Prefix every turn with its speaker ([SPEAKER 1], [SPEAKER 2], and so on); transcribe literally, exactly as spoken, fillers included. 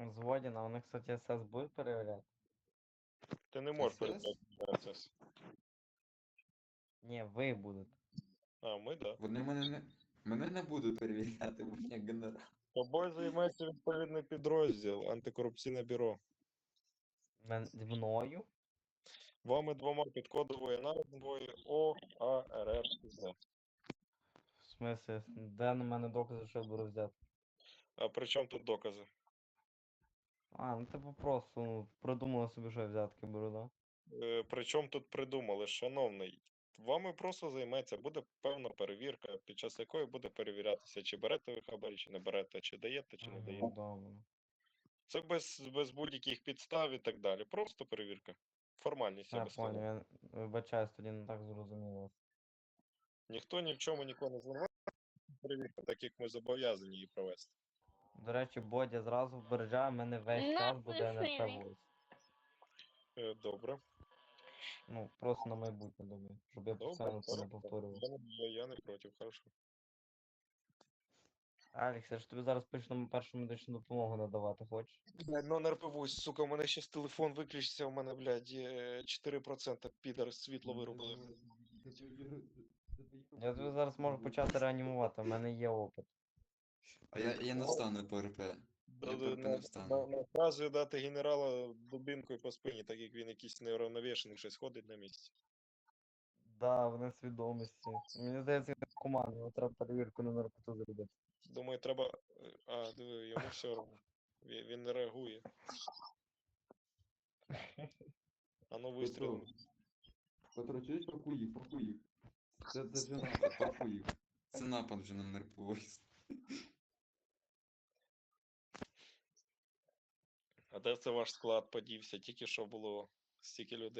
[SPEAKER 1] Згоден, а вони, кстати, ес ес будуть перевіряти?
[SPEAKER 2] Ти не можеш
[SPEAKER 3] ес ес?
[SPEAKER 2] передати процес.
[SPEAKER 1] Ні, ви будете.
[SPEAKER 2] А, ми, да.
[SPEAKER 3] Вони мене не. Мене не будуть перевіряти, бо я генерал.
[SPEAKER 2] Тобою займається відповідний підрозділ, антикорупційне бюро.
[SPEAKER 1] Мен... Мною?
[SPEAKER 2] Вами двома під кодовою назвою О А Р Р З.
[SPEAKER 1] В смислі, де на мене докази, що я буду взяти?
[SPEAKER 2] А при чому тут докази?
[SPEAKER 1] А, ну типу просто ну, придумали собі, що я взятки беру, да?
[SPEAKER 2] Е, при чому тут придумали, шановний? Вами просто займеться, буде певна перевірка, під час якої буде перевірятися, чи берете ви хабарі, чи не берете, чи даєте, чи не
[SPEAKER 1] Мгм,
[SPEAKER 2] даєте.
[SPEAKER 1] добре.
[SPEAKER 2] Це без, без будь-яких підстав і так далі. Просто перевірка. Формальність, я
[SPEAKER 1] Я
[SPEAKER 2] би сказав.
[SPEAKER 1] понял, я вибачаюсь, тоді не так зрозуміло.
[SPEAKER 2] Ніхто ні в чому нікого не звинувачує. Перевірка, так як ми зобов'язані її провести.
[SPEAKER 1] До речі, Бодя зразу вбережає, мене весь час буде ен ер пе войс.
[SPEAKER 2] Е, Добре.
[SPEAKER 1] Ну, просто на майбутнє думаю, щоб я
[SPEAKER 2] Добре,
[SPEAKER 1] постійно це не
[SPEAKER 2] хорошо.
[SPEAKER 1] повторював.
[SPEAKER 2] Я, не- я не проти, хорошо.
[SPEAKER 1] Алекс, я ж тобі зараз пишу першу медичну допомогу надавати, хочеш?
[SPEAKER 2] Блядь, ну не рпивусь, сука, у мене щас телефон виключиться, у мене, блядь, є чотири процента підар світло вирубили.
[SPEAKER 1] Я тобі зараз можу почати реанімувати, в мене є опит.
[SPEAKER 3] А я, я не встану по РП. Я
[SPEAKER 2] Да,
[SPEAKER 3] по РП
[SPEAKER 2] на,
[SPEAKER 3] не
[SPEAKER 2] на,
[SPEAKER 3] встану.
[SPEAKER 2] наказую дати генерала дубинкою по спині, так як він якийсь неуравновішений, щось ходить на місці.
[SPEAKER 1] Да, в несвідомості. Мені здається, він команда, його треба перевірку на наркоту зробити.
[SPEAKER 2] Думаю, треба. е, А, диви, йому все одно. Він, він не реагує. А ну вистрілимо.
[SPEAKER 3] Петро, чуєш, пакуй їх, пакуй їх. Це, це вже напад, пакуй їх. Це напад вже на Мерповіс.
[SPEAKER 2] А де це ваш склад подівся? Тільки що було стільки людей.